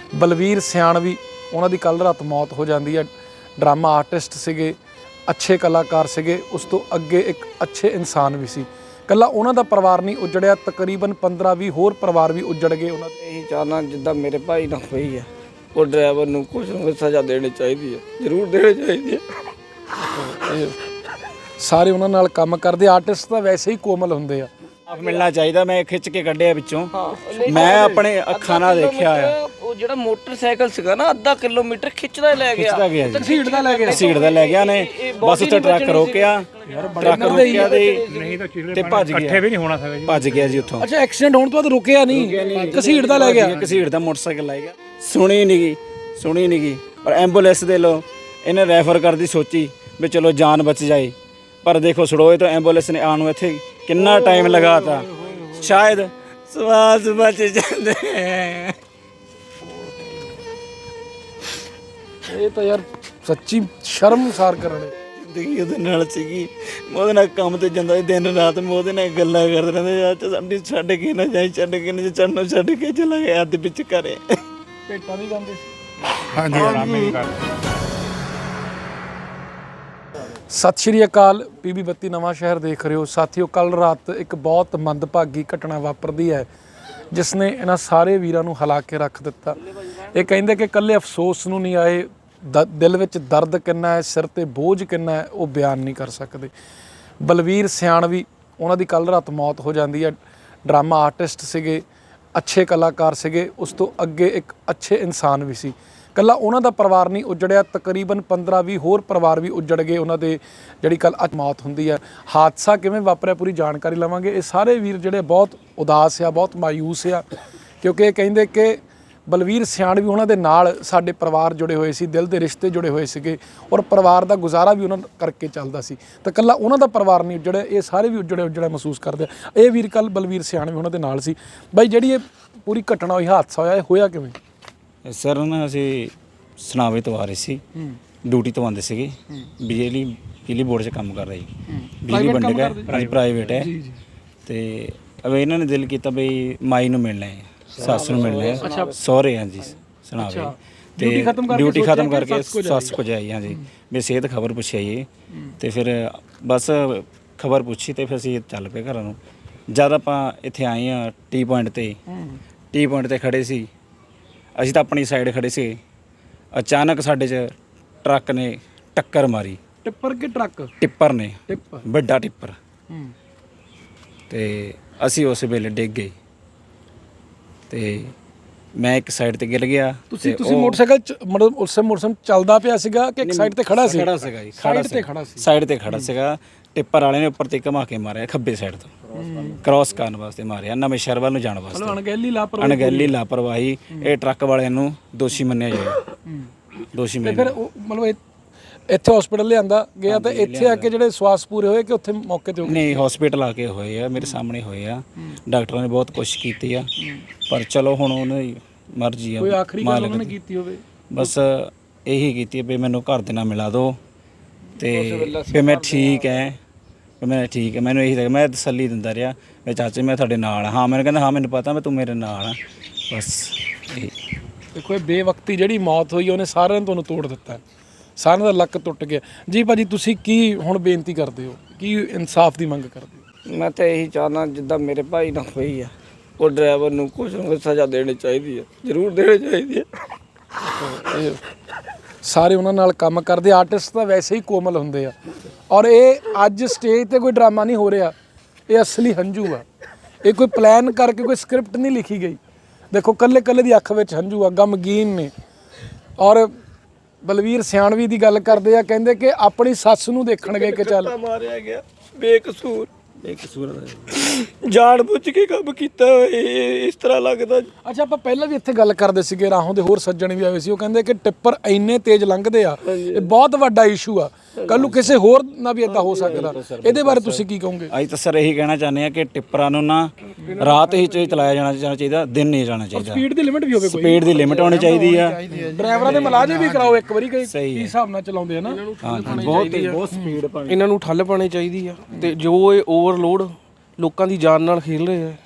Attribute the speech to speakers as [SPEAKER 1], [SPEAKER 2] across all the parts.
[SPEAKER 1] ਬਲਵੀਰ ਸਿਆਣਵੀ ਉਹਨਾਂ ਦੀ ਕੱਲ੍ਹ ਰਾਤ ਮੌਤ ਹੋ ਜਾਂਦੀ ਹੈ। ਡਰਾਮਾ ਆਰਟਿਸਟ ਸੀਗੇ, ਅੱਛੇ ਕਲਾਕਾਰ ਸੀਗੇ, ਉਸ ਤੋਂ ਅੱਗੇ ਇੱਕ ਅੱਛੇ ਇਨਸਾਨ ਵੀ ਸੀ। ਕੱਲਾ ਉਹਨਾਂ ਦਾ ਪਰਿਵਾਰ ਨਹੀਂ ਉਜੜਿਆ, ਤਕਰੀਬਨ 15-20 ਹੋਰ ਪਰਿਵਾਰ ਵੀ ਉਜੜ ਗਏ। ਉਹਨਾਂ ਦੇ
[SPEAKER 2] ਇਹੀ ਚਾਹਨਾ ਜਿੱਦਾਂ ਮੇਰੇ ਭਾਈ ਨਾਲ ਹੋਈ ਹੈ, ਉਹ ਡਰਾਈਵਰ ਨੂੰ ਕੁਝ ਨਾ ਕੁਝ ਸਜ਼ਾ ਦੇਣੀ ਚਾਹੀਦੀ ਹੈ, ਜ਼ਰੂਰ ਦੇਣੀ ਚਾਹੀਦੀ ਹੈ।
[SPEAKER 1] ਸਾਰੇ ਉਹਨਾਂ ਨਾਲ ਕੰਮ ਕਰਦੇ ਆਰਟਿਸਟ ਤਾਂ ਵੈਸੇ ਹੀ ਕੋਮਲ ਹੁੰਦੇ ਆ।
[SPEAKER 3] ਆਪ ਮਿਲਣਾ ਚਾਹੀਦਾ। ਮੈਂ ਖਿੱਚ ਕੇ ਕੱਢਿਆ ਵਿੱਚੋਂ, ਮੈਂ ਆਪਣੇ ਅੱਖਾਂ ਨਾਲ ਦੇਖਿਆ ਆ।
[SPEAKER 2] ਉਹ ਜਿਹੜਾ ਮੋਟਰਸਾਈਕਲ ਸੀਗਾ ਨਾ, ਅੱਧਾ ਕਿਲੋਮੀਟਰ ਖਿੱਚਦਾ ਲੈ ਗਿਆ
[SPEAKER 3] ਖਿੱਚਦਾ ਗਿਆ ਜੀ,
[SPEAKER 1] ਘਸੀੜ ਦਾ ਲੈ ਗਿਆ,
[SPEAKER 3] ਘਸੀੜ ਦਾ ਲੈ ਗਿਆ ਨੇ। ਬਸ ਉੱਥੇ ਟਰੱਕ ਰੋਕਿਆ, ਟਰੱਕ ਰੋਕਿਆ ਤੇ ਭੱਜ ਗਿਆ। ਇਕੱਠੇ ਵੀ ਨਹੀਂ ਹੋਣਾ ਸੀਗਾ ਜੀ, ਭੱਜ ਗਿਆ ਜੀ ਉੱਥੋਂ।
[SPEAKER 1] ਅੱਛਾ, ਐਕਸੀਡੈਂਟ ਹੋਣ ਤੋਂ ਬਾਅਦ ਰੁਕਿਆ ਨਹੀਂ, ਘਸੀੜ ਦਾ ਲੈ ਗਿਆ।
[SPEAKER 3] ਘਸੀੜ ਦਾ ਮੋਟਰਸਾਈਕਲ ਲੈ ਗਿਆ। ਸੁਣੀ ਨਹੀਂ ਗਈ। ਪਰ ਐਂਬੂਲੈਂਸ ਦੇ ਲੋ ਇਹਨੇ ਰੈਫਰ ਕਰਦੀ ਸੋਚੀ ਵੀ ਚਲੋ ਜਾਨ ਬਚ ਜਾਏ, ਪਰ ਦੇਖੋ ਸੜੋਏ ਤੋਂ ਐਂਬੂਲੈਂਸ ਨੇ ਆਉਣ ਨੂੰ ਇੱਥੇ ਕਿੰਨਾ ਟਾਈਮ ਲਗਾਤਾ। ਸ਼ਾਇਦ ਸਵਾਸ ਬਚ ਜਾਂਦੇ।
[SPEAKER 1] ਇਹ ਤਾਂ ਯਾਰ ਸੱਚੀ ਸ਼ਰਮਸਾਰ ਕਰਨੇ।
[SPEAKER 3] ਜ਼ਿੰਦਗੀ ਉਹਦੇ ਨਾਲ ਸੀਗੀ, ਮੈਂ ਉਹਦੇ ਨਾਲ ਕੰਮ ਤੇ ਜਾਂਦਾ ਸੀ ਦਿਨ ਰਾਤ। ਮੈਂ ਉਹਦੇ ਨਾਲ ਗੱਲਾਂ ਕਰਦੇ ਰਹਿੰਦੇ, ਯਾਰ ਸਾਡੀ ਛੱਡ ਕੇ ਨਾ ਜਾਈ, ਛੱਡ ਕੇ ਨਾ ਚੜਨੋਂ ਛੱਡ ਕੇ ਚਲਾ ਗਿਆ ਅੱਧ ਵਿੱਚ ਘਰੇ।
[SPEAKER 1] ਭੇਟਾਂ ਵੀ ਗਾਉਂਦੇ ਸੀ।
[SPEAKER 4] ਹਾਂਜੀ।
[SPEAKER 1] ਸਤਿ ਸ਼੍ਰੀ ਅਕਾਲ, PB 32 ਨਵਾਂ ਸ਼ਹਿਰ ਦੇਖ ਰਹੇ ਹੋ ਸਾਥੀਓ। ਕੱਲ੍ਹ ਰਾਤ ਇੱਕ ਬਹੁਤ ਮੰਦਭਾਗੀ ਘਟਨਾ ਵਾਪਰਦੀ ਹੈ ਜਿਸ ਨੇ ਇਹਨਾਂ ਸਾਰੇ ਵੀਰਾਂ ਨੂੰ ਹਿਲਾ ਕੇ ਰੱਖ ਦਿੱਤਾ। ਇਹ ਕਹਿੰਦੇ ਕਿ ਇਕੱਲੇ ਅਫਸੋਸ ਨੂੰ ਨਹੀਂ ਆਏ, ਦਿਲ ਵਿੱਚ ਦਰਦ ਕਿੰਨਾ ਹੈ, ਸਿਰ ਤੇ ਬੋਝ ਕਿੰਨਾ ਹੈ, ਉਹ ਬਿਆਨ ਨਹੀਂ ਕਰ ਸਕਦੇ। ਬਲਵੀਰ ਸਿਆਣਵੀ ਉਹਨਾਂ ਦੀ ਕੱਲ੍ਹ ਰਾਤ ਮੌਤ ਹੋ ਜਾਂਦੀ ਹੈ। ਡਰਾਮਾ ਆਰਟਿਸਟ ਸੀਗੇ, ਅੱਛੇ ਕਲਾਕਾਰ ਸੀਗੇ, ਉਸ ਤੋਂ ਅੱਗੇ ਇੱਕ ਅੱਛੇ ਇਨਸਾਨ ਵੀ ਸੀ। ਕੱਲਾ ਉਹਨਾਂ ਦਾ ਪਰਿਵਾਰ ਨਹੀਂ ਉਜੜਿਆ, ਤਕਰੀਬਨ 15-20 ਹੋਰ ਪਰਿਵਾਰ ਵੀ ਉਜੜ ਗਏ ਉਹਨਾਂ ਦੇ, ਜਿਹੜੀ ਕੱਲ੍ਹ ਅੱਜ ਮੌਤ ਹੁੰਦੀ ਹੈ। ਹਾਦਸਾ ਕਿਵੇਂ ਵਾਪਰਿਆ ਪੂਰੀ ਜਾਣਕਾਰੀ ਲਵਾਂਗੇ। ਇਹ ਸਾਰੇ ਵੀਰ ਜਿਹੜੇ ਬਹੁਤ ਉਦਾਸ ਆ, ਬਹੁਤ ਮਾਯੂਸ ਆ, ਕਿਉਂਕਿ ਇਹ ਕਹਿੰਦੇ ਕਿ ਬਲਵੀਰ ਸਿਆਣਵੀ ਉਹਨਾਂ ਦੇ ਨਾਲ ਸਾਡੇ ਪਰਿਵਾਰ ਜੁੜੇ ਹੋਏ ਸੀ, ਦਿਲ ਦੇ ਰਿਸ਼ਤੇ ਜੁੜੇ ਹੋਏ ਸੀਗੇ, ਔਰ ਪਰਿਵਾਰ ਦਾ ਗੁਜ਼ਾਰਾ ਵੀ ਉਹਨਾਂ ਕਰਕੇ ਚੱਲਦਾ ਸੀ। ਤਾਂ ਕੱਲਾ ਉਹਨਾਂ ਦਾ ਪਰਿਵਾਰ ਨਹੀਂ ਉਜੜਿਆ, ਇਹ ਸਾਰੇ ਵੀ ਉਜੜਿਆ ਮਹਿਸੂਸ ਕਰਦੇ ਆ। ਇਹ ਵੀਰ ਕੱਲ੍ਹ ਬਲਵੀਰ ਸਿਆਣਵੀ ਉਹਨਾਂ ਦੇ ਨਾਲ ਸੀ। ਬਾਈ, ਜਿਹੜੀ ਇਹ ਪੂਰੀ ਘਟਨਾ ਹੋਈ, ਹਾਦਸਾ ਹੋਇਆ, ਇਹ ਹੋਇਆ ਕਿਵੇਂ?
[SPEAKER 3] ਸਰ ਨਾ ਅਸੀਂ ਸਨਾਵੇ ਤੋਂ ਆ ਰਹੇ ਸੀ, ਡਿਊਟੀ ਤੋਂ ਆਉਂਦੇ ਸੀਗੇ। ਬਿਜਲੀ ਬੋਰਡ 'ਚ ਕੰਮ ਕਰ ਰਹੇ ਸੀ, ਬਿਜਲੀ ਵੰਡ ਗਿਆ, ਪ੍ਰਾਈਵੇਟ ਹੈ। ਤੇ ਅਬ ਇਹਨਾਂ ਨੇ ਦਿਲ ਕੀਤਾ ਬਈ ਮਾਈ ਨੂੰ ਮਿਲਣਾ ਹੈ, ਸੱਸ ਨੂੰ ਮਿਲਣਾ ਹੈ, ਸਹੁਰੇ ਹਾਂ ਜੀ ਸਨਾਵੇ। ਤੇ ਡਿਊਟੀ ਖਤਮ ਕਰਕੇ ਸੱਸ ਕੋ ਜਾਈ ਹਾਂ ਜੀ, ਵੀ ਸਿਹਤ ਖਬਰ ਪੁੱਛੀ ਆਈਏ। ਤੇ ਫਿਰ ਬਸ ਖਬਰ ਪੁੱਛੀ ਤੇ ਫਿਰ ਅਸੀਂ ਚੱਲ ਪਏ ਘਰਾਂ ਨੂੰ। ਜਦ ਆਪਾਂ ਇੱਥੇ ਆਏ ਹਾਂ ਟੀ ਪੁਆਇੰਟ ਤੇ ਖੜੇ ਸੀ, ਅਸੀਂ ਤਾਂ ਆਪਣੀ ਸਾਈਡ ਖੜੇ ਸੀ। ਅਚਾਨਕ ਸਾਡੇ 'ਚ ਟਰੱਕ ਨੇ ਟੱਕਰ ਮਾਰੀ।
[SPEAKER 1] ਟਿੱਪਰ ਕਿ ਟਰੱਕ?
[SPEAKER 3] ਟਿੱਪਰ ਨੇ,
[SPEAKER 1] ਟਿੱਪਰ,
[SPEAKER 3] ਵੱਡਾ ਟਿੱਪਰ। ਤੇ ਅਸੀਂ ਉਸ ਵੇਲੇ ਡਿੱਗ ਗਏ ਤੇ ਮੈਂ ਇੱਕ ਸਾਈਡ ਤੇ ਗਿਰ ਗਿਆ।
[SPEAKER 1] ਤੁਸੀਂ ਮੋਟਰਸਾਈਕਲ ਮਤਲਬ ਉਸ ਮੋਟਰਸਾਈਕਲ ਚੱਲਦਾ ਪਿਆ ਸੀਗਾ ਕਿ ਇੱਕ ਸਾਈਡ ਤੇ ਖੜਾ ਸੀ?
[SPEAKER 3] ਖੜਾ ਸੀਗਾ ਜੀ,
[SPEAKER 1] ਸਾਈਡ ਤੇ
[SPEAKER 3] ਖੜਾ ਸੀਗਾ। ਟਿੱਪਰ ਵਾਲੇ ਨੇ ਉੱਪਰ ਤੇ ਘੁਮਾ ਕੇ ਮਾਰਿਆ, ਖੱਬੇ ਸਾਈਡ ਤੋਂ ਕ੍ਰਾਸ ਕਰਨ ਵਾਸਤੇ ਮਾਰਿਆ, ਨਵੇਂ ਸ਼ਹਿਰ ਵੱਲ ਨੂੰ ਜਾਣ ਵਾਸਤੇ। ਅਣਗਹਿਲੀ ਲਾਪਰਵਾਹੀ। ਇਹ ਟਰੱਕ ਵਾਲਿਆਂ ਨੂੰ ਦੋਸ਼ੀ ਮੰਨਿਆ ਜਾਏ, ਦੋਸ਼ੀ ਮੰਨਿਆ।
[SPEAKER 1] ਫਿਰ ਮਤਲਬ ਇੱਥੇ ਹਸਪੀਟਲ ਲਿਆਂਦਾ ਗਿਆ ਤਾਂ ਇੱਥੇ ਆ ਕੇ ਜਿਹੜੇ ਸਵਾਸ ਪੂਰੇ ਹੋਏ ਕਿ ਉੱਥੇ ਮੌਕੇ ਤੇ?
[SPEAKER 3] ਨਹੀਂ, ਹਸਪੀਟਲ ਆ ਕੇ ਹੋਏ ਆ, ਮੇਰੇ ਸਾਹਮਣੇ ਹੋਏ ਆ। ਡਾਕਟਰਾਂ ਨੇ ਬਹੁਤ ਕੋਸ਼ਿਸ਼ ਕੀਤੀ ਆ, ਪਰ ਚਲੋ ਹੁਣ ਉਹਨਾਂ ਦੀ ਮਰਜ਼ੀ ਆ।
[SPEAKER 1] ਕੋਈ ਆਖਰੀ ਗੱਲ ਉਹਨਾਂ ਨੇ ਕੀਤੀ ਹੋਵੇ?
[SPEAKER 3] ਬਸ ਇਹੀ ਕੀਤੀ ਵੀ ਮੈਨੂੰ ਘਰ ਦੇ ਨਾਲ ਮਿਲਾ ਦਿਓ ਤੇ ਫਿਰ ਮੈਂ ਠੀਕ ਹੈ, ਮੈਨੂੰ ਇਹੀ ਤਾਂ ਮੈਂ ਤਸੱਲੀ ਦਿੰਦਾ ਰਿਹਾ ਵੀ ਚਾਚੇ ਮੈਂ ਤੁਹਾਡੇ ਨਾਲ ਹਾਂ। ਮੈਨੂੰ ਕਹਿੰਦਾ ਹਾਂ ਮੈਨੂੰ ਪਤਾ, ਮੈਂ ਤੂੰ ਮੇਰੇ ਨਾਲ ਆ। ਬਸ
[SPEAKER 1] ਦੇਖੋ, ਇਹ ਬੇਵਕਤੀ ਜਿਹੜੀ ਮੌਤ ਹੋਈ ਉਹਨੇ ਸਾਰਿਆਂ ਨੂੰ ਤੁਹਾਨੂੰ ਤੋੜ ਦਿੱਤਾ, ਸਾਰਿਆਂ ਦਾ ਲੱਕ ਟੁੱਟ ਗਿਆ ਜੀ। ਭਾਜੀ, ਤੁਸੀਂ ਕੀ ਹੁਣ ਬੇਨਤੀ ਕਰਦੇ ਹੋ, ਕੀ ਇਨਸਾਫ ਦੀ ਮੰਗ ਕਰਦੇ ਹੋ?
[SPEAKER 2] ਮੈਂ ਤਾਂ ਇਹੀ ਚਾਹਨਾ ਜਿੱਦਾਂ ਮੇਰੇ ਭਾਈ ਨਾਲ ਹੋਈ ਹੈ, ਉਹ ਡਰਾਈਵਰ ਨੂੰ ਕੁਝ ਨਾ ਕੁਝ ਸਜ਼ਾ ਦੇਣੀ ਚਾਹੀਦੀ ਹੈ, ਜ਼ਰੂਰ ਦੇਣੀ ਚਾਹੀਦੀ ਹੈ।
[SPEAKER 1] ਸਾਰੇ ਉਹਨਾਂ ਨਾਲ ਕੰਮ ਕਰਦੇ ਆਰਟਿਸਟ ਤਾਂ ਵੈਸੇ ਹੀ ਕੋਮਲ ਹੁੰਦੇ ਆ, ਔਰ ਇਹ ਅੱਜ ਸਟੇਜ ਤੇ ਕੋਈ ਡਰਾਮਾ ਨਹੀਂ ਹੋ ਰਿਹਾ, ਇਹ ਅਸਲੀ ਹੰਝੂ ਆ। ਇਹ ਕੋਈ ਪਲਾਨ ਕਰਕੇ ਕੋਈ ਸਕ੍ਰਿਪਟ ਨਹੀਂ ਲਿਖੀ ਗਈ। ਦੇਖੋ, ਕੱਲੇ ਦੀ ਅੱਖ ਵਿੱਚ ਹੰਝੂ ਆ, ਗਮਗੀਨ ਨੇ। ਔਰ ਬਲਵੀਰ ਸਿਆਣਵੀ ਦੀ ਗੱਲ ਕਰਦੇ ਆ, ਕਹਿੰਦੇ ਕਿ ਆਪਣੀ ਸੱਸ ਨੂੰ ਦੇਖਣ ਗਏ ਕਿ ਚੱਲ
[SPEAKER 2] ਮਾਰਿਆ ਗਿਆ ਬੇਕਸੂਰ ਜਾਣ ਬੁੱਝ ਕੇ ਕੰਮ ਕੀਤਾ ਇਸ ਤਰ੍ਹਾਂ ਲੱਗਦਾ।
[SPEAKER 1] ਅੱਛਾ, ਆਪਾਂ ਪਹਿਲਾਂ ਵੀ ਇੱਥੇ ਗੱਲ ਕਰਦੇ ਸੀਗੇ, ਰਾਹੋਂ ਦੇ ਹੋਰ ਸੱਜਣ ਵੀ ਆਏ ਸੀ, ਉਹ ਕਹਿੰਦੇ ਕਿ ਟਿੱਪਰ ਇੰਨੇ ਤੇਜ਼ ਲੰਘਦੇ ਆ, ਇਹ ਬਹੁਤ ਵੱਡਾ ਇਸ਼ੂ ਆ, ਕੱਲ ਨੂੰ ਕਿਸੇ ਹੋਰ ਨਾਲ ਵੀ ਇਦਾਂ ਹੋ ਸਕਦਾ। ਇਹਦੇ ਬਾਰੇ ਤੁਸੀਂ ਕੀ ਕਹੋਗੇ?
[SPEAKER 3] ਅਸੀਂ ਤਾਂ ਸਰ ਇਹੀ ਕਹਿਣਾ ਚਾਹੁੰਦੇ ਹਾਂ ਕਿ ਟਿੱਪਰਾਂ ਨੂੰ ਨਾ ਰਾਤ ਹੀ ਚਲਾਇਆ ਜਾਣਾ ਚਾਹੀਦਾ, ਦਿਨ ਨਹੀਂ ਜਾਣਾ ਚਾਹੀਦਾ।
[SPEAKER 1] ਸਪੀਡ ਦੀ ਲਿਮਿਟ ਵੀ ਹੋਵੇ, ਕੋਈ
[SPEAKER 3] ਸਪੀਡ ਦੀ ਲਿਮਿਟ ਹੋਣੀ ਚਾਹੀਦੀ ਆ।
[SPEAKER 1] ਡਰਾਈਵਰਾਂ ਦੇ ਮੁਲਾਜ਼ਮ ਵੀ ਕਰਾਓ ਇੱਕ ਵਾਰੀ, ਕੀ ਹਿਸਾਬ ਨਾਲ ਚਲਾਉਂਦੇ ਆ ਨਾ।
[SPEAKER 3] ਬਹੁਤ ਸਪੀਡ ਪਾਣੀ,
[SPEAKER 5] ਇਹਨਾਂ ਨੂੰ ਠੱਲ ਪਾਣੀ ਚਾਹੀਦੀ ਆ। ਤੇ ਜੋ ਇਹ ਓਵਰਲੋਡ ਲੋਕਾਂ ਦੀ ਜਾਨ ਨਾਲ ਖੇਲ ਰਹੇ ਆ,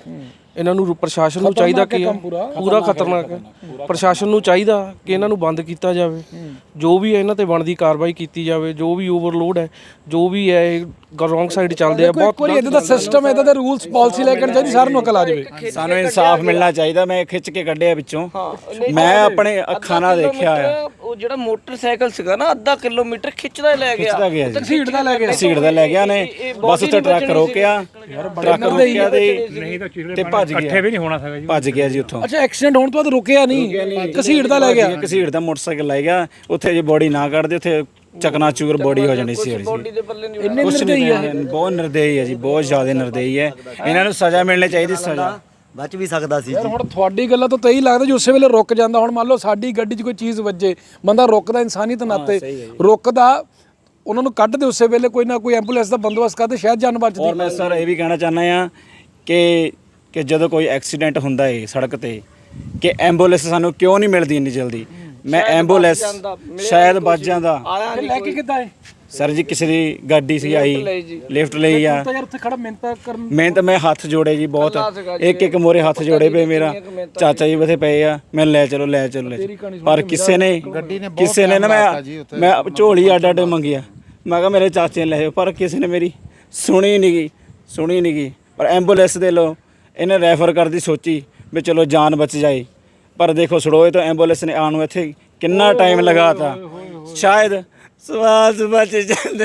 [SPEAKER 4] ਇਹਨਾਂ ਨੂੰ ਪ੍ਰਸ਼ਾਸਨ ਨੂੰ ਚਾਹੀਦਾ ਕਿ ਪੂਰਾ ਖਤਰਨਾਕ ਹੈ। ਪ੍ਰਸ਼ਾਸਨ ਨੂੰ ਚਾਹੀਦਾ ਕਿ ਇਹਨਾਂ ਨੂੰ ਬੰਦ ਕੀਤਾ ਜਾਵੇ, ਜੋ ਵੀ ਹੈ ਇਹਨਾਂ ਤੇ ਬਣਦੀ ਕਾਰਵਾਈ ਕੀਤੀ ਜਾਵੇ। ਜੋ ਵੀ ਓਵਰਲੋਡ ਹੈ, ਜੋ ਵੀ ਹੈ ਰੋਂਗ ਸਾਈਡ ਚੱਲਦੇ ਆ, ਬਹੁਤ
[SPEAKER 1] ਕੋਈ ਇਦਾਂ ਦਾ ਸਿਸਟਮ, ਇਦਾਂ ਦੇ ਰੂਲਸ ਪਾਲਿਸੀ ਲੈ ਕੇ ਆਉਣੀ ਚਾਹੀਦੀ, ਸਾਰਿਆਂ ਨੂੰ ਅਕਲ ਆ ਜਾਵੇ।
[SPEAKER 3] ਸਾਨੂੰ ਇਨਸਾਫ ਮਿਲਣਾ ਚਾਹੀਦਾ। ਮੈਂ ਖਿੱਚ ਕੇ ਕੱਢਿਆ ਵਿੱਚੋਂ, ਮੈਂ ਆਪਣੇ ਅੱਖਾਂ ਨਾਲ ਦੇਖਿਆ ਆ।
[SPEAKER 2] ਉਹ ਜਿਹੜਾ ਮੋਟਰਸਾਈਕਲ ਸੀਗਾ ਨਾ, ਅੱਧਾ ਕਿਲੋਮੀਟਰ ਖਿੱਚਦਾ ਲੈ ਗਿਆ,
[SPEAKER 1] ਘਸੀੜਦਾ ਲੈ ਗਿਆ,
[SPEAKER 3] ਘਸੀੜਦਾ ਲੈ ਗਿਆ ਨੇ। ਬਸ ਉੱਥੇ ਟਰੱਕ ਰੋਕਿਆ, ਟਰੱਕ ਰੋਕਿਆ ਤੇ ਭੱਜ ਗਿਆ। ਇਕੱਠੇ ਵੀ ਨਹੀਂ ਹੋਣਾ ਸੀਗਾ ਜੀ, ਭੱਜ ਗਿਆ ਜੀ ਉੱਥੋਂ।
[SPEAKER 1] ਅੱਛਾ, ਐਕਸੀਡੈਂਟ ਹੋਣ ਤੋਂ ਬਾਅਦ ਰੁਕਿਆ ਨਹੀਂ, ਘਸੀੜਦਾ ਲੈ ਗਿਆ।
[SPEAKER 3] ਘਸੀੜਦਾ ਮੋਟਰਸਾਈਕਲ ਲੈ ਗਿਆ। ਉੱਥੇ ਜੇ ਬੋਡੀ ਨਾ ਕੱਢਦੇ, ਉੱਥੇ ਚਕਨਾਚੂਰ ਬੋਡੀ ਹੋ ਜਾਣੀ ਸੀ।
[SPEAKER 1] ਇੰਨੇ ਨਿਰਦਈ ਹੈ,
[SPEAKER 3] ਬਹੁਤ ਨਿਰਦਈ ਹੈ ਜੀ, ਬਹੁਤ ਜ਼ਿਆਦਾ ਨਿਰਦਈ ਹੈ। ਇਹਨਾਂ ਨੂੰ ਸਜ਼ਾ ਮਿਲਣੀ ਚਾਹੀਦੀ, ਸਜ਼ਾ।
[SPEAKER 5] ਬਚ ਵੀ ਸਕਦਾ ਸੀ
[SPEAKER 1] ਯਾਰ ਹੁਣ ਤੁਹਾਡੀ ਗੱਲਾਂ ਤੋਂ ਤਾਂ ਇਹੀ ਲੱਗਦਾ ਜੀ ਉਸੇ ਵੇਲੇ ਰੁਕ ਜਾਂਦਾ। ਹੁਣ ਮੰਨ ਲਓ ਸਾਡੀ ਗੱਡੀ 'ਚ ਕੋਈ ਚੀਜ਼ ਵੱਜੇ, ਬੰਦਾ ਰੁਕਦਾ ਇਨਸਾਨੀਅਤ ਨਾਤੇ, ਰੁਕਦਾ, ਉਹਨਾਂ ਨੂੰ ਕੱਢਦੇ ਉਸੇ ਵੇਲੇ, ਕੋਈ ਨਾ ਕੋਈ ਐਂਬੂਲੈਂਸ ਦਾ ਬੰਦੋਬਸਤ ਕਰਦੇ, ਸ਼ਾਇਦ ਜਾਨ ਬਚਦੀ।
[SPEAKER 3] ਔਰ ਮੈਂ ਸਰ ਇਹ ਵੀ ਕਹਿਣਾ ਚਾਹੁੰਦਾ ਆ ਕਿ ਜਦੋਂ ਕੋਈ ਐਕਸੀਡੈਂਟ ਹੁੰਦਾ ਹੈ ਸੜਕ ਤੇ, ਕਿ ਐਂਬੂਲੈਂਸ ਸਾਨੂੰ ਕਿਉਂ ਨਹੀਂ ਮਿਲਦੀ ਇੰਨੀ ਜਲਦੀ। ਮੈਂ ਐਂਬੂਲੈਂਸ ਸ਼ਾਇਦ ਬਚ ਜਾਂਦਾ।
[SPEAKER 1] ਲੈ ਕੇ ਕਿੱਦਾਂ ਹੈ
[SPEAKER 3] ਸਰ ਜੀ, ਕਿਸੇ ਦੀ ਗੱਡੀ ਸੀ ਆਈ, ਲਿਫਟ ਲਈ ਆ।
[SPEAKER 1] ਤਾਂ ਯਾਰ ਉੱਥੇ ਖੜਾ ਮਿਹਨਤ ਕਰਨ,
[SPEAKER 3] ਮਿਹਨਤ, ਮੈਂ ਹੱਥ ਜੋੜੇ ਜੀ ਬਹੁਤ, ਇੱਕ ਮੋਰੇ ਹੱਥ ਜੋੜੇ ਪਏ। ਮੇਰਾ ਚਾਚਾ ਜੀ ਬਥੇ ਪਏ ਆ, ਮੈਨੂੰ ਲੈ ਚਲੋ ਲੈ ਚਲੋ। ਪਰ ਕਿਸੇ ਨੇ ਨਾ, ਮੈਂ ਝੋਲੀ ਅੱਡ ਅੱਡ ਮੰਗਿਆ, ਮੈਂ ਕਿਹਾ ਮੇਰੇ ਚਾਚੇ ਨੇ ਲੈ ਜਾਓ, ਪਰ ਕਿਸੇ ਨੇ ਮੇਰੀ ਸੁਣੀ ਨਹੀਂ ਗਈ। ਪਰ ਐਂਬੂਲੈਂਸ ਦੇ ਲੋ ਇਹਨੇ ਰੈਫਰ ਕਰਦੀ, ਸੋਚੀ ਵੀ ਚਲੋ ਜਾਨ ਬਚ ਜਾਏ। ਪਰ ਦੇਖੋ ਸੜੋਏ ਤੋਂ ਐਂਬੂਲੈਂਸ ਨੇ ਆਉਣ ਨੂੰ ਇੱਥੇ ਕਿੰਨਾ ਟਾਈਮ ਲਗਾਤਾ। ਸ਼ਾਇਦ ਸਵਾਸ ਬਚ ਜਾਂਦੇ।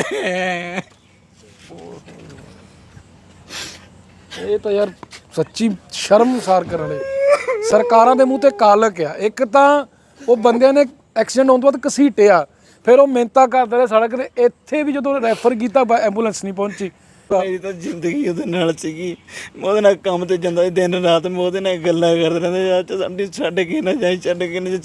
[SPEAKER 1] ਇਹ ਤਾਂ ਯਾਰ ਸੱਚੀ ਸ਼ਰਮਸਾਰ ਕਰਨ ਵਾਲੇ ਸਰਕਾਰਾਂ ਦੇ ਮੂੰਹ ਤੇ ਕਾਲਕ ਆ। ਇੱਕ ਤਾਂ ਉਹ ਬੰਦਿਆਂ ਨੇ ਐਕਸੀਡੈਂਟ ਹੋਣ ਤੋਂ ਬਾਅਦ ਘਸੀਟਿਆ, ਫਿਰ ਉਹ ਮਿਹਨਤਾਂ ਕਰਦੇ ਰਹੇ ਸੜਕ ਤੇ, ਇੱਥੇ ਵੀ ਜਦੋਂ ਰੈਫਰ ਕੀਤਾ ਐਂਬੂਲੈਂਸ ਨਹੀਂ ਪਹੁੰਚੀ।
[SPEAKER 3] ਮੇਰੀ ਤਾਂ ਜ਼ਿੰਦਗੀ ਉਹਦੇ ਨਾਲ ਸੀਗੀ। ਮੈਂ ਉਹਦੇ ਨਾਲ ਕੰਮ ਤੇ ਜਾਂਦਾ ਸੀ ਦਿਨ ਰਾਤ, ਮੈਂ ਉਹਦੇ ਨਾਲ ਗੱਲਾਂ ਕਰਦੇ ਰਹਿੰਦੇ, ਅੱਜ ਸਾਡੀ ਛੱਡ ਕੇ ਨਾ ਜਾਈ, ਛੱਡ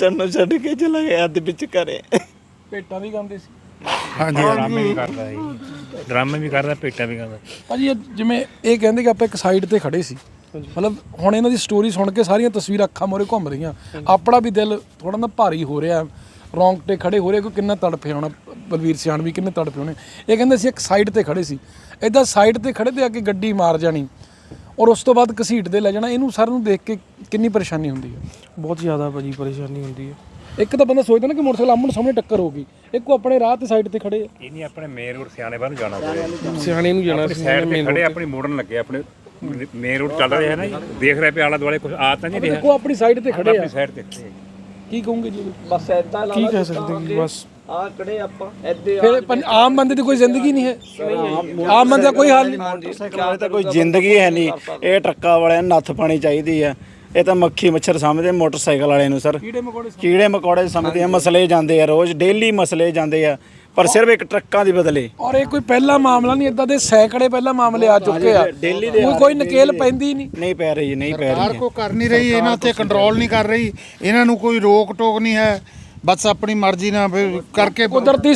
[SPEAKER 3] ਕੇ ਚਲਾ ਗਿਆ ਅੱਧ ਵਿੱਚ ਘਰੇ।
[SPEAKER 1] ਭੇਟਾਂ ਵੀ ਗਾਉਂਦੇ ਸੀ।
[SPEAKER 6] ਹਾਂਜੀ, ਡਰਾਮੇ ਵੀ ਕਰਦਾ ਹੈ, ਡਰਾਮੇ ਵੀ ਕਰਦਾ, ਭੇਟਾਂ ਵੀ ਗਾਉਂਦਾ।
[SPEAKER 1] ਭਾਜੀ ਜਿਵੇਂ ਇਹ ਕਹਿੰਦੇ ਕਿ ਆਪਾਂ ਇੱਕ ਸਾਈਡ ਤੇ ਖੜੇ ਸੀ, ਮਤਲਬ ਹੁਣ ਇਹਨਾਂ ਦੀ ਸਟੋਰੀ ਸੁਣ ਕੇ ਸਾਰੀਆਂ ਤਸਵੀਰਾਂ ਅੱਖਾਂ ਮੋਰੇ ਘੁੰਮ ਰਹੀਆਂ, ਆਪਣਾ ਵੀ ਦਿਲ ਥੋੜਾ ਨਾ ਭਾਰੀ ਹੋ ਰਿਹਾ, ਰੌਂਗਟੇ ਖੜੇ ਹੋ ਰਹੇ, ਕੋਈ ਕਿੰਨਾ ਤੜਫੇ ਹੋਣਾ, ਬਲਵੀਰ ਸਿਆਣ ਵੀ ਕਿੰਨੇ ਤੜਫੇ ਹੋਣੇ। ਇਹ ਕਹਿੰਦੇ ਸੀ ਇੱਕ ਸਾਈਡ ਤੇ ਖੜੇ ਸੀ, ਇੱਦਾਂ ਸਾਈਡ ਤੇ ਖੜੇ ਤੇ ਆ ਕੇ ਗੱਡੀ ਮਾਰ ਜਾਣੀ ਔਰ ਉਸ ਤੋਂ ਬਾਅਦ ਘਸੀਟਦੇ ਲੈ ਜਾਣਾ। ਇਹਨੂੰ ਸਾਰਿਆਂ ਨੂੰ ਦੇਖ ਕੇ ਕਿੰਨੀ ਪਰੇਸ਼ਾਨੀ ਹੁੰਦੀ ਹੈ?
[SPEAKER 4] ਬਹੁਤ ਜ਼ਿਆਦਾ ਭਾਜੀ ਪਰੇਸ਼ਾਨੀ ਹੁੰਦੀ ਹੈ।
[SPEAKER 1] ਇੱਕ ਤਾਂ ਬੰਦਾ ਸੋਚਦਾ ਨਾ ਕਿ ਮੋਟਰਸਾਈਕਲ ਆਮਣ ਸਾਹਮਣੇ ਟੱਕਰ ਹੋ ਗਈ, ਇੱਕ ਉਹ ਆਪਣੇ ਰਾਹ ਤੇ ਸਾਈਡ ਤੇ ਖੜੇ ਆ।
[SPEAKER 6] ਇਹ ਨਹੀਂ ਆਪਣੇ ਮੇਨ ਰੋਡ ਸਿਆਣੇ ਬਾਹਰ ਨੂੰ ਜਾਣਾ ਪਵੇ,
[SPEAKER 4] ਸਿਆਣੇ ਨੂੰ ਜਾਣਾ ਸੀ,
[SPEAKER 6] ਸਾਈਡ ਤੇ ਖੜੇ ਆਪਣੀ ਮੋੜਨ ਲੱਗੇ, ਆਪਣੇ ਮੇਨ ਰੋਡ ਚੱਲ ਰਿਹਾ ਹੈ ਨਾ ਜੀ, ਦੇਖ ਰਿਹਾ ਪਿਆ ਆਲਾ ਦੁਆਲੇ ਕੁਝ ਆ ਤਾਂ ਨਹੀਂ ਰਿਹਾ,
[SPEAKER 1] ਦੇਖੋ ਆਪਣੀ ਸਾਈਡ ਤੇ ਖੜੇ ਆ।
[SPEAKER 6] ਆਪਣੀ ਸਾਈਡ ਤੇ
[SPEAKER 1] ਕੀ ਕਹੋਗੇ ਜੀ?
[SPEAKER 2] ਬਸ ਐਦਾਂ
[SPEAKER 4] ਕੀ ਕਹਿ ਸਕਦੇ ਜੀ, ਬਸ
[SPEAKER 2] ਆ ਖੜੇ ਆਪਾਂ ਐਦੇ।
[SPEAKER 1] ਫਿਰ ਆਮ ਬੰਦੇ ਦੀ ਕੋਈ ਜ਼ਿੰਦਗੀ ਨਹੀਂ ਹੈ, ਆਮ ਬੰਦੇ ਦਾ ਕੋਈ ਹਾਲ ਨਹੀਂ।
[SPEAKER 3] ਮੋਟਰਸਾਈਕਲ ਵਾਲੇ ਤਾਂ ਕੋਈ ਜ਼ਿੰਦਗੀ ਹੈ ਨਹੀਂ। ਇਹ ਟਰੱਕਾਂ ਵਾਲਿਆਂ ਨੂੰ ਨੱਥ ਪਾਣੀ ਚਾਹੀਦੀ ਆ। ਇਹ ਤਾਂ ਮੱਖੀ ਮੱਛਰ ਸਮਝਦੇ ਮੋਟਰਸਾਈਕਲ ਵਾਲੇ ਨੂੰ ਸਰ, ਕੀੜੇ ਮਕੌੜੇ ਸਮਝਦੇ ਆ। ਮਸਲੇ ਜਾਂਦੇ ਆ, ਰੋਜ਼ ਡੇਲੀ ਮਸਲੇ ਜਾਂਦੇ ਆ, ਪਰ ਸਿਰਫ ਇੱਕ ਟਰੱਕਾਂ ਦੀ ਬਦਲੇ।
[SPEAKER 1] ਔਰ ਇਹ ਕੋਈ ਪਹਿਲਾ ਮਾਮਲਾ ਨਹੀਂ, ਇਦਾਂ ਦੇ ਸੈਂਕੜੇ ਪਹਿਲਾਂ ਮਾਮਲੇ ਆ ਚੁੱਕੇ ਆ। ਕੋਈ ਨਕੇਲ ਪੈਂਦੀ
[SPEAKER 3] ਨਹੀਂ ਪੈ ਰਹੀ, ਨਹੀਂ ਪੈ ਰਹੀ।
[SPEAKER 7] ਸਰਕਾਰ ਕੋ ਕਰ ਨਹੀਂ ਰਹੀ, ਇਹਨਾਂ ਤੇ ਕੰਟਰੋਲ ਨਹੀਂ ਕਰ ਰਹੀ, ਇਹਨਾਂ ਨੂੰ ਕੋਈ ਰੋਕ ਟੋਕ ਨਹੀਂ ਹੈ, ਬਸ ਆਪਣੀ ਮਰਜ਼ੀ ਨਾਲ ਫਿਰ ਕਰਕੇ।
[SPEAKER 1] ਕੁਦਰਤੀ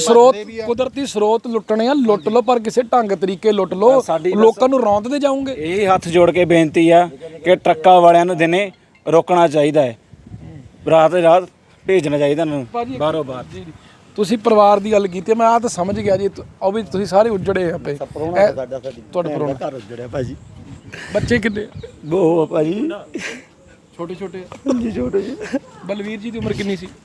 [SPEAKER 1] ਸਰੋਤ ਲੁੱਟਣੇ ਆ, ਲੁੱਟ ਲਓ, ਪਰ ਕਿਸੇ ਢੰਗ ਤਰੀਕੇ ਲੁੱਟ ਲਓ, ਲੋਕਾਂ ਨੂੰ ਰੌਂਦਦੇ ਜਾਓਗੇ।
[SPEAKER 3] ਇਹ ਹੱਥ ਜੋੜ ਕੇ ਬੇਨਤੀ ਆ ਕਿ ਟਰੱਕਾਂ ਵਾਲਿਆਂ ਨੂੰ ਦਿਨੇ ਰੋਕਣਾ ਚਾਹੀਦਾ ਹੈ, ਰਾਤ ਭੇਜਣਾ ਚਾਹੀਦਾ ਇਹਨਾਂ ਨੂੰ ਬਾਹਰੋਂ ਬਾਹਰ।
[SPEAKER 1] ਤੁਸੀਂ ਪਰਿਵਾਰ ਦੀ ਗੱਲ ਕੀਤੀ, ਮੈਂ ਆ ਤਾਂ ਸਮਝ ਗਿਆ ਜੀ। ਉਹ ਵੀ ਤੁਸੀਂ ਸਾਰੇ ਉੱਜੜੇ ਆ ਪਏ, ਤੁਹਾਡੇ ਪਰੋਣਾ
[SPEAKER 5] ਘਰ ਉੱਜੜਿਆ ਭਾਜੀ।
[SPEAKER 1] ਬੱਚੇ ਕਿੰਨੇ?
[SPEAKER 3] ਬਹੁਤ ਭਾਜੀ,
[SPEAKER 1] ਛੋਟੇ ਛੋਟੇ
[SPEAKER 3] ਜੀ ਛੋਟੇ ਜੀ।
[SPEAKER 1] ਬਲਵੀਰ ਜੀ ਦੀ ਉਮਰ ਕਿੰਨੀ ਸੀ?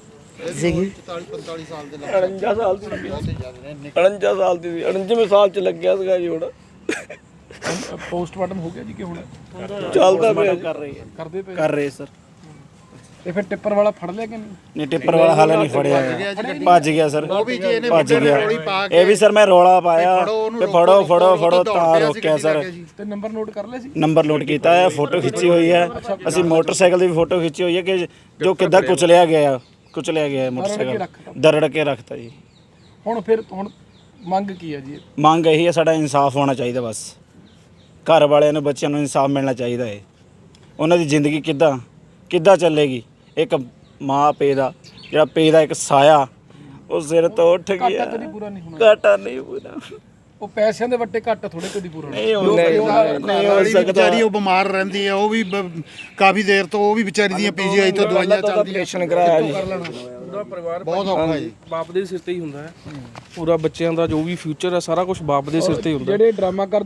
[SPEAKER 2] 45 ਸਾਲ ਦੇ 49 ਸਾਲ ਦੀ 49 ਸਾਲ ਦੀ 49ਵੇਂ ਸਾਲ ਚ ਲੱਗਿਆ ਸੀਗਾ ਜੀ। ਹੁਣ
[SPEAKER 1] ਪੋਸਟਮਾਰਟਮ ਹੋ ਗਿਆ ਜੀ ਕਿ ਹੁਣ
[SPEAKER 2] ਚੱਲਦਾ ਪਿਆ,
[SPEAKER 3] ਕਰ ਰਹੇ ਸਰ।
[SPEAKER 1] ਤੇ ਫਿਰ ਟਿੱਪਰ ਵਾਲਾ ਫੜ ਲਿਆ ਕਿ ਨਹੀਂ?
[SPEAKER 3] ਟਿੱਪਰ ਵਾਲਾ ਹਾਲੇ ਨਹੀਂ ਫੜਿਆ, ਭੱਜ ਗਿਆ ਸਰ, ਭੱਜ ਗਿਆ। ਇਹ ਵੀ ਸਰ ਮੈਂ ਰੌਲਾ ਪਾਇਆ ਕਿ ਫੜੋ ਤਾਂ ਰੋਕਿਆ ਸਰ।
[SPEAKER 1] ਤੇ ਨੰਬਰ ਨੋਟ ਕਰ ਲਿਆ ਸੀ?
[SPEAKER 3] ਨੰਬਰ ਨੋਟ ਕੀਤਾ ਹੈ, ਫੋਟੋ ਖਿੱਚੀ ਹੋਈ ਹੈ। ਅਸੀਂ ਮੋਟਰਸਾਈਕਲ ਦੀ ਵੀ ਫੋਟੋ ਖਿੱਚੀ ਹੋਈ ਹੈ ਕਿ ਜੋ ਕਿੱਦਾਂ ਕੁਚਲਿਆ ਗਿਆ ਮੋਟਰਸਾਈਕਲ, ਦਰੜ ਕੇ ਰੱਖਤਾ ਜੀ।
[SPEAKER 1] ਹੁਣ ਮੰਗ ਕੀ ਹੈ ਜੀ?
[SPEAKER 3] ਮੰਗ ਇਹੀ ਹੈ, ਸਾਡਾ ਇਨਸਾਫ ਹੋਣਾ ਚਾਹੀਦਾ। ਬਸ ਘਰ ਵਾਲਿਆਂ ਨੂੰ, ਬੱਚਿਆਂ ਨੂੰ ਇਨਸਾਫ ਮਿਲਣਾ ਚਾਹੀਦਾ ਹੈ। ਉਹਨਾਂ ਦੀ ਜ਼ਿੰਦਗੀ ਕਿੱਦਾਂ ਚੱਲੇਗੀ? ਇੱਕ ਮਾਂ ਪੇ ਦਾ ਇੱਕ ਸਾਇਆ ਉਹ ਸਿਰ ਤੋਂ ਉੱਠ ਗਿਆ। ਘਾਟਾ ਨਹੀਂ ਪੂਰਾ।
[SPEAKER 1] ਉਹ ਪੈਸਿਆਂ ਦੇ ਵੱਟੇ ਘੱਟ ਥੋੜੇ ਕਦੀ ਪੂਰਾ
[SPEAKER 3] ਨਹੀਂ ਹੋ ਸਕਦਾ।
[SPEAKER 7] ਵਿਚਾਰੀ ਉਹ ਬਿਮਾਰ ਰਹਿੰਦੀ ਹੈ, ਉਹ ਵੀ ਕਾਫੀ ਦੇਰ ਤੋਂ, ਉਹ ਵੀ ਵਿਚਾਰੀ ਦੀਆਂ ਪੀਜੀਆਈ ਤੋਂ ਦਵਾਈਆਂ ਚੱਲਦੀਆਂ।
[SPEAKER 2] ਆਪਰੇਸ਼ਨ ਕਰਾਇਆ ਜੀ।
[SPEAKER 4] ਉਹਦਾ ਪਰਿਵਾਰ
[SPEAKER 7] ਬਹੁਤ ਔਖਾ ਹੈ ਜੀ।
[SPEAKER 4] ਬਾਪ ਦੇ ਸਿਰ ਤੇ ਹੀ ਹੁੰਦਾ ਹੈ ਪੂਰਾ, ਬੱਚਿਆਂ ਦਾ ਜੋ ਵੀ ਫਿਊਚਰ ਹੈ ਸਾਰਾ ਕੁਝ ਬਾਪ ਦੇ ਸਿਰ ਤੇ ਹੀ ਹੁੰਦਾ।
[SPEAKER 1] ਜਿਹੜੇ ਡਰਾਮਾ ਕਰਦੇ ਹੋ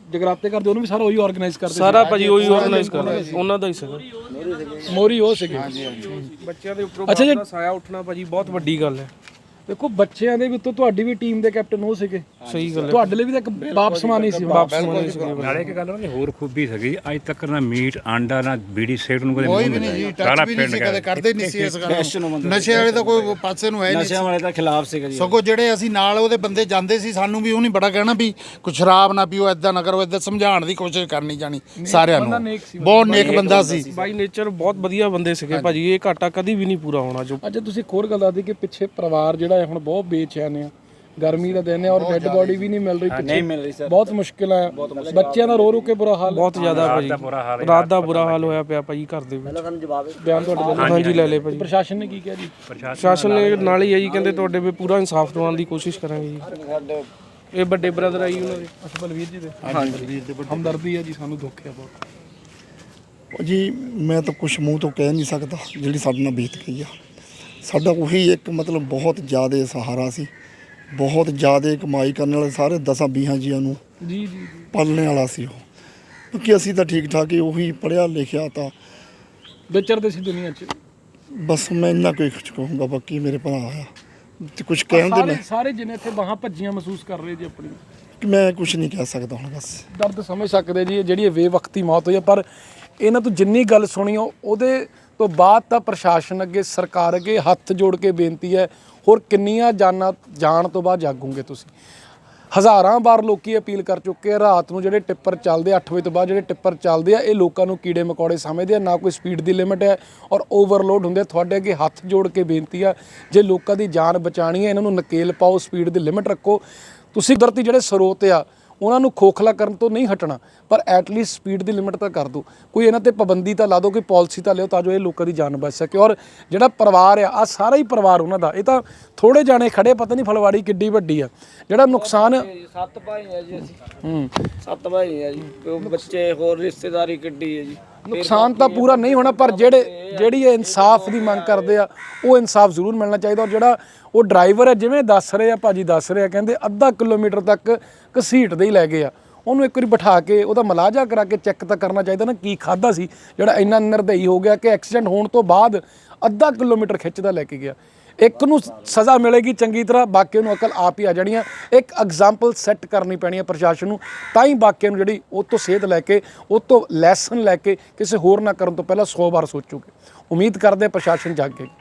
[SPEAKER 1] ਜਗਰਾਤੇ ਕਰਦੇ ਉਹਨੂੰ ਵੀ ਸਾਰਾ ਉਹੀ ਆਰਗੇਨਾਈਜ਼ ਕਰਦੇ
[SPEAKER 4] ਸਾਰਾ ਭਾਜੀ ਉਹੀ ਆਰਗੇਨਾਈਜ਼ ਕਰਦਾ, ਉਹਨਾਂ ਦਾ ਹੀ ਸੀਗਾ।
[SPEAKER 1] ਮੋਰੀ ਉਹ ਸੀਗੇ।
[SPEAKER 4] ਬੱਚਿਆਂ ਦੇ ਉੱਪਰੋਂ ਸਾਇਆ ਉੱਠਣਾ ਭਾਜੀ ਬਹੁਤ ਵੱਡੀ ਗੱਲ ਹੈ।
[SPEAKER 1] ਦੇਖੋ ਬੱਚਿਆਂ ਦੇ ਵਿੱਚੋਂ ਤੁਹਾਡੀ ਵੀ ਟੀਮ ਦੇ ਕੈਪਟਨ ਹੋ ਸੀਗੇ,
[SPEAKER 4] ਸਹੀ ਗੱਲ ਹੈ।
[SPEAKER 1] ਤੁਹਾਡੇ ਲਈ ਵੀ ਤਾਂ ਇੱਕ ਬਾਪ ਸਮਾਨ ਹੀ ਸੀ।
[SPEAKER 6] ਨਾਲੇ ਇੱਕ ਗੱਲ ਉਹਦੀ ਹੋਰ ਖੂਬੀ ਸੀਗੀ, ਅੱਜ ਤੱਕ ਨਾ ਮੀਟ ਆਂਡਾ ਨਾ ਬੀੜੀ ਸਿਗਰਟ ਨੂੰ ਕਦੇ
[SPEAKER 7] ਕੋਈ ਵੀ ਨਹੀਂ ਜੀ, ਟੱਚ ਵੀ ਨਹੀਂ ਸੀ ਕਦੇ, ਕਰਦੇ ਨਹੀਂ ਸੀ ਇਸ ਗੱਲ ਨੂੰ। ਨਸ਼ੇ ਵਾਲੇ ਤਾਂ ਕੋਈ ਪਾਸੇ ਨੂੰ ਹੈ ਨਹੀਂ,
[SPEAKER 3] ਨਸ਼ਿਆਂ ਵਾਲੇ ਦਾ ਖਿਲਾਫ ਸੀਗਾ ਜੀ।
[SPEAKER 7] ਸਗੋਂ ਜਿਹੜੇ ਅਸੀਂ ਨਾਲ ਉਹਦੇ ਬੰਦੇ ਜਾਂਦੇ ਸੀ, ਸਾਨੂੰ ਵੀ ਉਹਨੇ ਬੜਾ ਕਹਿਣਾ ਵੀ ਕੁਛ ਸ਼ਰਾਬ ਨਾ ਪੀਓ, ਐਦਾਂ ਨਾ ਕਰੋ, ਐਦਾਂ ਸਮਝਾਉਣ ਦੀ ਕੋਸ਼ਿਸ਼ ਕਰਨੀ ਜਾਣੀ ਸਾਰਿਆਂ ਨੂੰ। ਬਹੁਤ ਨੇਕ ਬੰਦਾ ਸੀ,
[SPEAKER 4] ਬਾਈ ਨੇਚਰ ਬਹੁਤ ਵਧੀਆ ਬੰਦੇ ਸੀਗੇ ਭਾਜੀ। ਇਹ ਘਾਟਾ ਕਦੀ ਵੀ ਨਹੀਂ ਪੂਰਾ ਹੋਣਾ। ਜੋ
[SPEAKER 1] ਅੱਜ ਤੁਸੀਂ ਇੱਕ ਹੋਰ ਗੱਲ ਦੱਸਦੀ ਕਿ ਪਿੱਛੇ ਪਰਿਵਾਰ ਜਿਹੜਾ ਹੈ ਹੁਣ ਬਹੁਤ ਬੇਚੈਨ ਆ, ਗਰਮੀ ਦਾ ਦਿਨ ਹੈ ਔਰ ਡੈੱਡ ਬੋਡੀ ਵੀ ਨਹੀਂ ਮਿਲ ਰਹੀ ਪਿੱਛੇ, ਬਹੁਤ ਮੁਸ਼ਕਿਲ ਹੈ। ਬੱਚਿਆਂ ਦਾ ਰੋ ਰੋ ਕੇ ਬੁਰਾ ਹਾਲ,
[SPEAKER 4] ਬਹੁਤ ਜ਼ਿਆਦਾ ਭਾਜੀ, ਰਾਤ ਦਾ ਬੁਰਾ ਹਾਲ ਹੋਇਆ ਪਿਆ ਭਾਜੀ ਘਰ ਦੇ ਵਿੱਚ।
[SPEAKER 1] ਬਿਆਨ ਤੁਹਾਡੇ ਵੱਲੋਂ
[SPEAKER 4] ਹਾਂਜੀ ਲੈ ਲੈ ਭਾਜੀ।
[SPEAKER 1] ਪ੍ਰਸ਼ਾਸਨ ਨੇ ਕੀ ਕਿਹਾ ਜੀ?
[SPEAKER 4] ਪ੍ਰਸ਼ਾਸਨ ਨੇ ਨਾਲ ਹੀ ਹੈ ਜੀ, ਕਹਿੰਦੇ ਤੁਹਾਡੇ ਵੀ ਪੂਰਾ ਇਨਸਾਫ ਦਿਵਾਉਣ ਦੀ ਕੋਸ਼ਿਸ਼ ਕਰਾਂਗੇ ਜੀ। ਇਹ ਵੱਡੇ ਬ੍ਰਦਰ ਆਈ ਉਹਨਾਂ ਦੇ,
[SPEAKER 1] ਅੱਛਾ ਬਲਵੀਰ ਜੀ ਦੇ। ਹਾਂਜੀ ਹਮਦਰਦੀ ਹੈ ਜੀ, ਸਾਨੂੰ ਦੁੱਖ ਹੈ ਬਹੁਤ।
[SPEAKER 5] ਜੀ ਮੈਂ ਤਾਂ ਕੁਝ ਮੂੰਹ ਤੋਂ ਕਹਿ ਨਹੀਂ ਸਕਦਾ ਜਿਹੜੀ ਸਾਡੇ ਨਾਲ ਬੀਤ ਗਈ ਆ। ਸਾਡਾ ਉਹੀ ਇੱਕ ਮਤਲਬ ਬਹੁਤ ਜ਼ਿਆਦਾ ਸਹਾਰਾ ਸੀ, ਬਹੁਤ ਜ਼ਿਆਦਾ ਕਮਾਈ ਕਰਨ ਵਾਲੇ ਸਾਰੇ 10-20 ਜੀਆਂ ਨੂੰ
[SPEAKER 1] ਜੀ ਜੀ
[SPEAKER 5] ਪਾਲਣ ਵਾਲਾ ਸੀ ਉਹ, ਕਿਉਂਕਿ ਅਸੀਂ ਤਾਂ ਠੀਕ ਠਾਕ ਹੀ ਉਹੀ ਪੜ੍ਹਿਆ ਲਿਖਿਆ ਤਾਂ
[SPEAKER 1] ਵਿਚਰਦੇ ਸੀ ਦੁਨੀਆ 'ਚ।
[SPEAKER 5] ਬਸ ਮੈਂ ਇੰਨਾ ਕੋਈ ਕੁਝ ਕਹੂੰਗਾ, ਬਾਕੀ ਮੇਰੇ ਭਰਾ ਆ ਤੇ ਕੁਝ ਕਹਿਣ ਦੇ
[SPEAKER 1] ਸਾਰੇ ਜਿਨੇ ਇੱਥੇ ਬਾਹਾਂ ਭੱਜੀਆਂ ਮਹਿਸੂਸ ਕਰ ਰਹੇ ਜੀ ਆਪਣੀ,
[SPEAKER 5] ਕਿ ਮੈਂ ਕੁਝ ਨਹੀਂ ਕਹਿ ਸਕਦਾ ਹੁਣ। ਬਸ
[SPEAKER 1] ਦਰਦ ਸਮਝ ਸਕਦੇ ਜੀ, ਜਿਹੜੀ ਇਹ ਬੇਵਕਤੀ ਮੌਤ ਹੋਈ ਹੈ। ਪਰ ਇਹਨਾਂ ਤੋਂ ਜਿੰਨੀ ਗੱਲ ਸੁਣੀ ਉਹਦੇ ਤੋਂ ਬਾਅਦ ਤਾਂ ਪ੍ਰਸ਼ਾਸਨ ਅੱਗੇ, ਸਰਕਾਰ ਅੱਗੇ ਹੱਥ ਜੋੜ ਕੇ ਬੇਨਤੀ ਹੈ, ਹੋਰ ਕਿੰਨੀਆਂ ਜਾਨਾਂ ਜਾਣ ਤੋਂ ਬਾਅਦ ਜਾਗੋਗੇ ਤੁਸੀਂ? ਹਜ਼ਾਰਾਂ ਵਾਰ ਲੋਕੀ ਅਪੀਲ ਕਰ ਚੁੱਕੇ ਆ, ਰਾਤ ਨੂੰ ਜਿਹੜੇ ਟਿੱਪਰ ਚੱਲਦੇ 8 ਵਜੇ ਤੋਂ ਬਾਅਦ ਜਿਹੜੇ ਟਿੱਪਰ ਚੱਲਦੇ ਆ, ਇਹ ਲੋਕਾਂ ਨੂੰ ਕੀੜੇ ਮਕੌੜੇ ਸਮਝਦੇ ਆ, ਨਾ ਕੋਈ ਸਪੀਡ ਦੀ ਲਿਮਿਟ ਹੈ ਔਰ ਓਵਰਲੋਡ ਹੁੰਦੇ। ਤੁਹਾਡੇ ਅੱਗੇ ਹੱਥ ਜੋੜ ਕੇ ਬੇਨਤੀ ਆ, ਜੇ ਲੋਕਾਂ ਦੀ ਜਾਨ ਬਚਾਣੀ ਹੈ, ਇਹਨਾਂ ਨੂੰ ਨਕੇਲ ਪਾਓ, ਸਪੀਡ ਦੀ ਲਿਮਿਟ ਰੱਖੋ। ਤੁਸੀਂ ਕੁਦਰਤੀ ਜਿਹੜੇ ਸਰੋਤ ਆ ਉਹਨਾਂ ਨੂੰ ਖੋਖਲਾ ਕਰਨ ਤੋਂ ਨਹੀਂ ਹਟਣਾ, ਪਰ ਐਟਲੀਸਟ ਸਪੀਡ ਦੀ ਲਿਮਿਟ ਤਾਂ ਕਰ ਦਿਓ, ਕੋਈ ਇਹਨਾਂ ਤੇ ਪਾਬੰਦੀ ਤਾਂ ਲਾ ਦਿਓ, ਕੋਈ ਪਾਲਿਸੀ ਤਾਂ ਲਿਓ, ਤਾਂ ਜੋ ਇਹ ਲੋਕਾਂ ਦੀ ਜਾਨ ਬਚ ਸਕੇ। ਔਰ ਜਿਹੜਾ ਪਰਿਵਾਰ ਆ ਸਾਰਾ ਹੀ ਪਰਿਵਾਰ ਉਹਨਾਂ ਦਾ, ਇਹ ਤਾਂ ਥੋੜੇ ਜਾਣੇ ਖੜੇ, ਪਤਾ ਨਹੀਂ ਫਲਵਾੜੀ ਕਿੱਡੀ ਵੱਡੀ ਆ। ਜਿਹੜਾ ਨੁਕਸਾਨ
[SPEAKER 2] 7 ਭਾਈ ਆ ਜੀ ਅਸੀਂ, 7 ਭਾਈ ਆ ਜੀ, ਬੱਚੇ ਹੋਰ ਰਿਸ਼ਤੇਦਾਰੀ ਕਿੱਡੀ ਹੈ ਜੀ।
[SPEAKER 1] ਨੁਕਸਾਨ ਤਾਂ ਪੂਰਾ ਨਹੀਂ ਹੋਣਾ, ਪਰ ਜਿਹੜੀ ਇਹ ਇਨਸਾਫ ਦੀ ਮੰਗ ਕਰਦੇ ਆ ਉਹ ਇਨਸਾਫ ਜ਼ਰੂਰ ਮਿਲਣਾ ਚਾਹੀਦਾ। ਔਰ ਜਿਹੜਾ ਉਹ ਡਰਾਈਵਰ ਹੈ, ਜਿਵੇਂ ਦੱਸ ਰਹੇ ਆ ਭਾਜੀ, ਦੱਸ ਰਹੇ ਆ, ਕਹਿੰਦੇ ਅੱਧਾ ਕਿਲੋਮੀਟਰ ਤੱਕ ਘਸੀਟਦੇ ਹੀ ਲੈ ਗਏ ਆ। ਉਹਨੂੰ ਇੱਕ ਵਾਰੀ ਬਿਠਾ ਕੇ ਉਹਦਾ ਮਲਾਜਾ ਕਰਾ ਕੇ ਚੈੱਕ ਤਾਂ ਕਰਨਾ ਚਾਹੀਦਾ ਨਾ, ਕੀ ਖਾਦਾ ਸੀ ਜਿਹੜਾ ਇੰਨਾ ਨਿਰਦਈ ਹੋ ਗਿਆ ਕਿ ਐਕਸੀਡੈਂਟ ਹੋਣ ਤੋਂ ਬਾਅਦ ਅੱਧਾ ਕਿਲੋਮੀਟਰ ਖਿੱਚਦਾ ਲੈ ਕੇ ਗਿਆ। ਇੱਕ ਨੂੰ ਸਜ਼ਾ ਮਿਲੇਗੀ ਚੰਗੀ ਤਰ੍ਹਾਂ, ਬਾਕੀ ਨੂੰ ਅਕਲ ਆਪ ਹੀ ਆ ਜਾਣੀ ਆ। ਇੱਕ ਐਗਜ਼ਾਮਪਲ ਸੈੱਟ ਕਰਨੀ ਪੈਣੀ ਹੈ ਪ੍ਰਸ਼ਾਸਨ ਨੂੰ, ਤਾਂ ਹੀ ਬਾਕੀਆਂ ਨੂੰ ਜਿਹੜੀ ਉਹ ਤੋਂ ਸੇਧ ਲੈ ਕੇ, ਉਹ ਤੋਂ ਲੈਸਨ ਲੈ ਕੇ ਕਿਸੇ ਹੋਰ ਨਾ ਕਰਨ ਤੋਂ ਪਹਿਲਾਂ 100 ਵਾਰ ਸੋਚੂਗੇ। ਉਮੀਦ ਕਰਦੇ ਪ੍ਰਸ਼ਾਸਨ ਜਾਗੇ।